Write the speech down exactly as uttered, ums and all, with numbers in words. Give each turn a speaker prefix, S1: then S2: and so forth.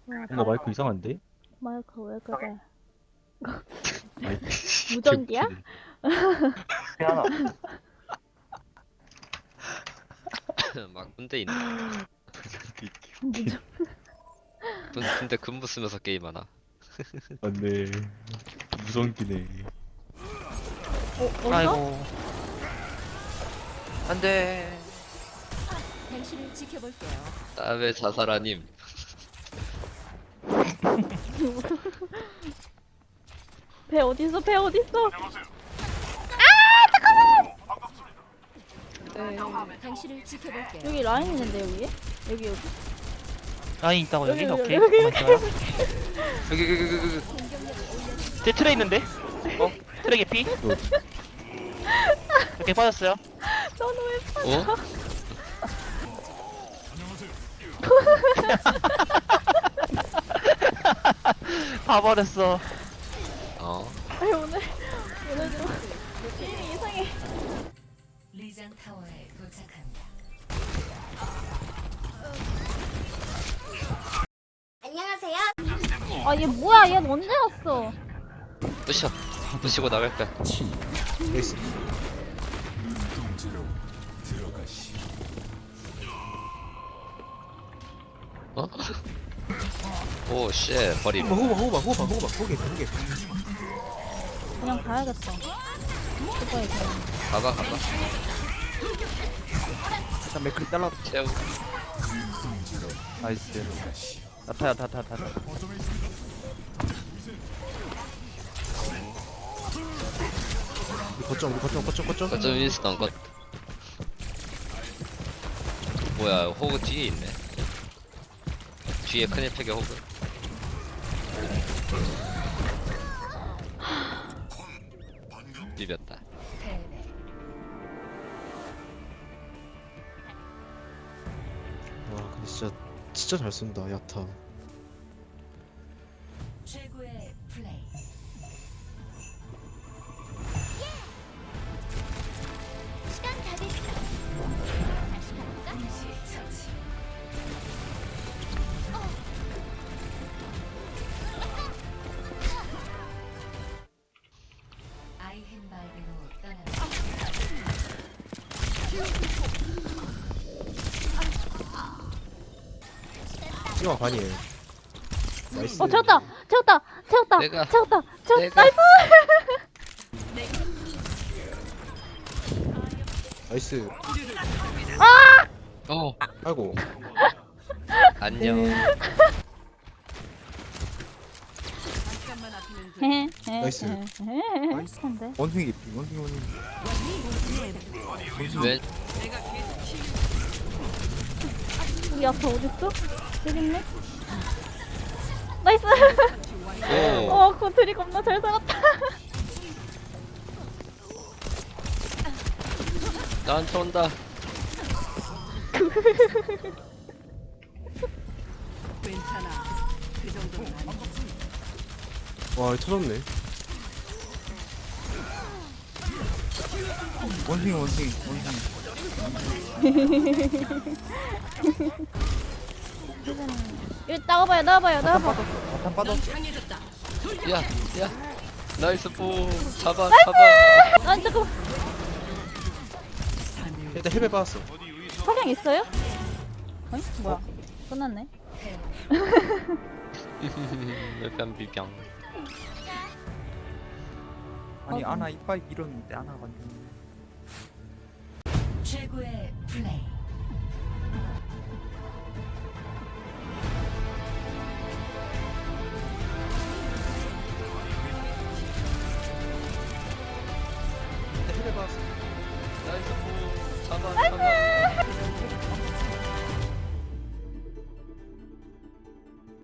S1: 와,
S2: 뭔가 마이크 이상한데?
S1: 마이크 왜 그래?
S2: 마이크
S1: 무전기야?
S2: 개웃기네.
S3: 하나.
S4: 막 군대 있네.
S1: 무전
S4: 군, 군대 근무 쓰면서 게임하나.
S2: 맞네. 무성기네.
S1: 어, 어디서?
S3: 아이고. 안돼.
S5: 당신을 지켜볼게요.
S4: 땀의 자살아님.
S1: 배 어딨어? 배 어딨어?
S5: 당신을 지켜볼게요.
S1: 여기 라인 있는데 여기에? 여기 여기.
S3: 라인 있다고 여기?
S1: 여기,
S3: 오케이.
S1: 여기,
S3: 가만 있어요.
S4: 여기 여기 여기 여기.
S3: 제 틀에 있는데? 어? 틀에 개피? 이렇게 빠졌어요.
S1: 너는 왜
S4: 어?
S3: 가버렸어.
S4: 어?
S1: 아니 오늘 오늘 좀 게임이 이상해.
S5: 리장 타워에 도착합니다.
S1: 아 얘 뭐야? 얘 언제 왔어?
S4: 부셔. 부시고 나갈 거야.
S2: 에이스.
S4: 어? 오, 쉣. 버림.
S2: 호바 호바 호바 호바 호게 호게.
S1: 그냥 가야겠다. 오빠의 그냥.
S4: 가봐, 가봐.
S2: 일단 맥클 잘라.
S4: 채우.
S3: 나이스. 나타야 타타 타타.
S2: 우리 거점 우리 거점 거점 거점.
S4: 거점 윈스턴 것. 뭐야, 호그 뒤에 있네. 뒤에 큰 혜택의 호그. 비볐다.
S5: 패배.
S2: 와 근데 진짜 진짜 잘 쓴다 야타.
S5: 최고의 플레이. 동시 처치. 아이헨바이게로 떠납니다.
S2: 이거 반이에요. 나이스.
S1: 어 채웠다. 채웠다. 채웠다.
S4: 내가-
S1: 채웠다. 채웠다.
S4: 내가-
S1: 나이스.
S2: 나이스.
S4: 어,
S2: 아이고.
S4: 안녕.
S1: 헤헤.
S2: 나이스.
S1: 헤헤. 한데.
S2: 원숭이 개피 원숭이 원숭이.
S4: 왜?
S1: 우리 앞에 어딨어? 여기 있네. 나이스.
S4: 오,
S1: 어, 고트리 겁나 잘 살았다.
S4: 나한테 온다.
S2: 와 터졌네.
S3: 원숭이 원숭이 원숭이.
S1: 여기 나와봐요, 나와봐요, 나와봐.
S3: 나탄 빠져.
S4: 야, 야. 나이스 보. 잡아, 잡아.
S1: 아, 잠깐만.
S2: 일단 헬멧 받았어.
S1: 화량 있어요? 어이? 뭐야? 끝났네.
S4: 일단 비병.
S3: 아니 아나 이빨 밀었는데 아나가 완전.
S5: 최고의 플레이.
S2: 일단 헬멧 받았어.
S4: 나이스 보. 잡아, 잡아.